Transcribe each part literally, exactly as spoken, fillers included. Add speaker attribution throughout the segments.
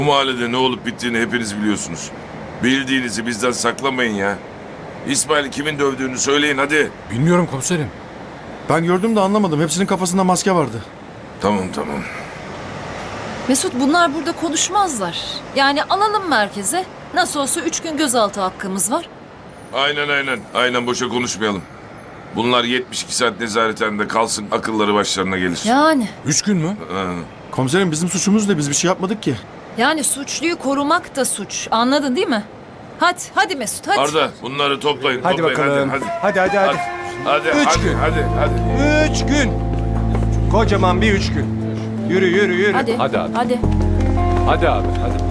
Speaker 1: Bu mahallede ne olup bittiğini hepiniz biliyorsunuz. Bildiğinizi bizden saklamayın ya. İsmail kimin dövdüğünü söyleyin hadi.
Speaker 2: Bilmiyorum komiserim.
Speaker 3: Ben gördüm de anlamadım. Hepsinin kafasında maske vardı.
Speaker 1: Tamam tamam.
Speaker 4: Mesut, bunlar burada konuşmazlar. Yani alalım merkeze. Nasıl olsa üç gün gözaltı hakkımız var.
Speaker 1: Aynen aynen. Aynen boşa konuşmayalım. Bunlar yetmiş iki saat nezarethanede kalsın, akılları başlarına gelir.
Speaker 4: Yani.
Speaker 2: Üç gün mü?
Speaker 1: Ha.
Speaker 3: Komiserim bizim suçumuz ne? Biz bir şey yapmadık ki.
Speaker 4: Yani suçluyu korumak da suç. Anladın değil mi? Hadi, hadi Mesut, hadi.
Speaker 1: Arda bunları toplayın.
Speaker 5: Hadi
Speaker 1: toplayın,
Speaker 5: bakalım.
Speaker 1: Hadi
Speaker 5: Hadi hadi hadi.
Speaker 1: hadi. Hadi
Speaker 5: Üç
Speaker 1: hadi,
Speaker 5: gün.
Speaker 1: hadi hadi.
Speaker 5: Üç gün. Kocaman bir üç gün. Yürü yürü yürü.
Speaker 4: Hadi,
Speaker 2: Hadi abi.
Speaker 4: hadi.
Speaker 2: Hadi abi hadi.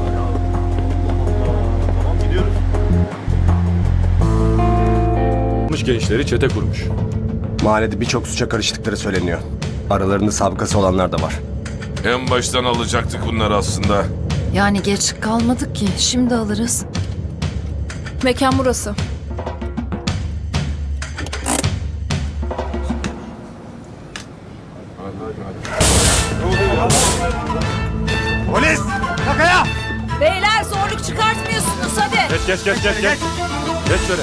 Speaker 2: Gençleri çete kurmuş.
Speaker 5: Mahallede birçok suça karıştıkları söyleniyor. Aralarında sabıkası olanlar da var.
Speaker 1: En baştan alacaktık bunları aslında.
Speaker 4: Yani geç kalmadık ki. Şimdi alırız.
Speaker 6: Mekan burası.
Speaker 5: Polis! Kakaya!
Speaker 4: Beyler zorluk çıkartmıyorsunuz hadi.
Speaker 2: Geç geç geç geç geç. Geç şöyle.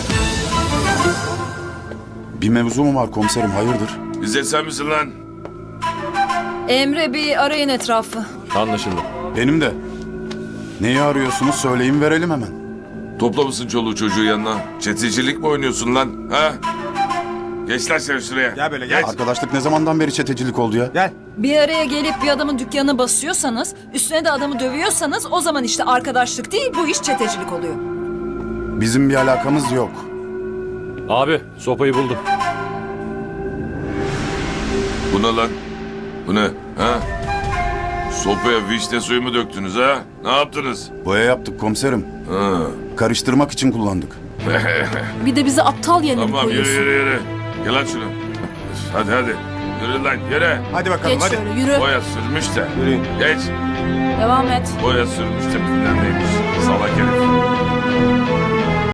Speaker 7: Bir mevzu mu var komiserim, hayırdır?
Speaker 1: Bize sen misin lan?
Speaker 4: Emre, bir arayın etrafı.
Speaker 2: Anlaşıldı.
Speaker 7: Benim de. Neyi arıyorsunuz söyleyin verelim hemen.
Speaker 1: Toplamışsın çoluğu çocuğu yanına. Çetecilik mi oynuyorsun lan? Ha? Geç lan sen şuraya.
Speaker 5: Gel böyle, gel.
Speaker 7: Arkadaşlık ne zamandan beri çetecilik oldu ya?
Speaker 5: Gel.
Speaker 4: Bir araya gelip bir adamın dükkanına basıyorsanız, üstüne de adamı dövüyorsanız o zaman işte arkadaşlık değil, bu iş çetecilik oluyor.
Speaker 7: Bizim bir alakamız yok.
Speaker 2: Abi sopayı buldum.
Speaker 1: Bu ne lan? Bu ne? Ha? Sopaya vişne suyu mu döktünüz ha? Ne yaptınız?
Speaker 7: Boya yaptık komiserim.
Speaker 1: Ha.
Speaker 7: Karıştırmak için kullandık.
Speaker 6: Bir de bizi aptal yerine mi
Speaker 1: Tamam yürü
Speaker 6: koyuyorsun?
Speaker 1: yürü yürü. Gel lan şunu. Hadi hadi. Yürü lan yürü.
Speaker 5: Hadi bakalım
Speaker 6: Geç
Speaker 5: hadi.
Speaker 6: şöyle yürü.
Speaker 1: Boya sürmüş de.
Speaker 5: Yürüyün.
Speaker 1: Geç.
Speaker 6: Devam et.
Speaker 1: Boya sürmüş de bilmem neymiş. Salak herif.